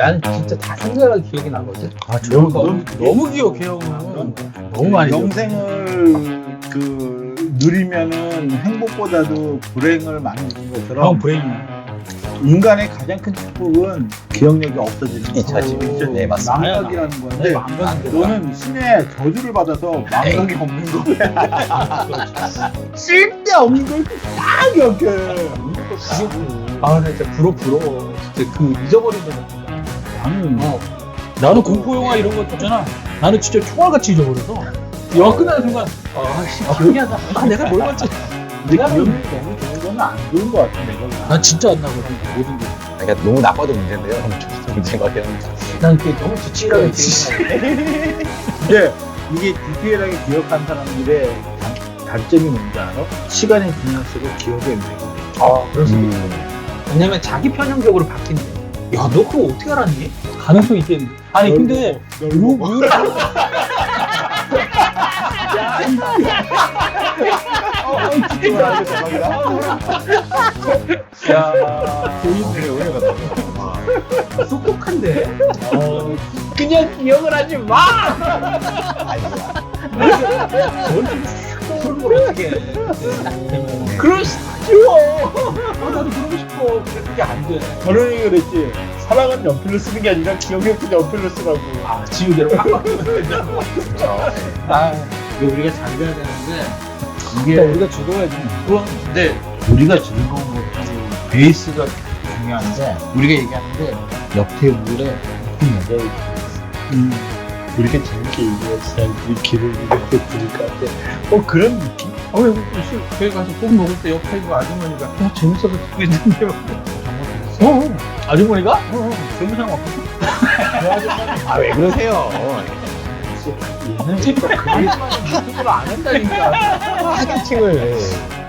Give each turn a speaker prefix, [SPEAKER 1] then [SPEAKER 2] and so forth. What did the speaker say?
[SPEAKER 1] 나는 진짜 다 생각나는 기억이 나거든.
[SPEAKER 2] 아,
[SPEAKER 1] 너무 기억해 형은. 너무 많이 기억해.
[SPEAKER 3] 영생을 누리면은 행복보다도 불행을 많이 느낀 것처럼
[SPEAKER 1] 형 브레인이야.
[SPEAKER 3] 인간의 가장 큰 축복은 기억력이 없어지는 거.
[SPEAKER 2] 잊혀지. 네, 맞습니다.
[SPEAKER 3] 망각이라는 건데
[SPEAKER 1] 네, 망각인데.
[SPEAKER 3] 너는 신의 저주를 받아서 망각이 없는 거야. 쓸데없는 걸 다 기억해.
[SPEAKER 1] 아, 나 진짜 부러워. 진짜 그 잊어버린 적 같은
[SPEAKER 3] 나는
[SPEAKER 1] 나는 공포 영화 이런 거 있잖아. 나는 진짜 총알같이 잊어버려서. 영화 끝나는 순간 아씨 기억이 안 나. 아 내가 뭘 봤지?
[SPEAKER 3] 내가 기억력이 너무 좋은 건 안 좋은 것 같은데.
[SPEAKER 1] 난 진짜 안 나거든 모든 게.
[SPEAKER 2] 그러니까 너무 나빠도 문제인데요. 문제가 그냥
[SPEAKER 1] 난 그게 너무 지치라고 기억나.
[SPEAKER 3] 이게 디테일하게 기억한 사람들의 단점이 뭔지 알아? 시간이 지날수록 기억이 애매해.
[SPEAKER 1] 아 그럴 수도 있어. 왜냐면 자기 편향적으로 바뀐대. 야 너 그거 어떻게 알았니? 가능성 있겠는데. 아니 근데 야
[SPEAKER 2] 보이네 오해가 나.
[SPEAKER 1] 똑똑한데. 그냥 기억을 하지 마. 떠오르는 걸 어떻게 해? 그럴 수 쉬워. 나도 그러고 싶어. 근데 그게 안 돼.
[SPEAKER 3] 결혼이 그랬지. 사랑은 연필로 쓰는 게 아니라 기억력도 연필로 쓰라고.
[SPEAKER 1] 아 지우개로 팍팍. 아
[SPEAKER 3] 이거 우리가 잘 돼야 되는데 이게
[SPEAKER 1] 그러니까 우리가 죽어야지.
[SPEAKER 3] 그건 근데 우리가 즐거운 것도 베이스가 중요한데 우리가 얘기하는데 옆 테이블에 예쁜 여자가 있어. 우리가 재밌게 얘기했어야 우리 길을 이렇게 들을 것 같아. 그런 느낌?
[SPEAKER 1] 왜 교회 가서 꼭 먹을 때 옆에 있는 아주머니가 재밌어서 듣고 있는데 아주머니가?
[SPEAKER 3] 세무상 왔거든?
[SPEAKER 2] 아 왜 그러세요?
[SPEAKER 1] 얘는 진짜 그 아주머니 유튜브를 안 한다니까.
[SPEAKER 2] 사기팅을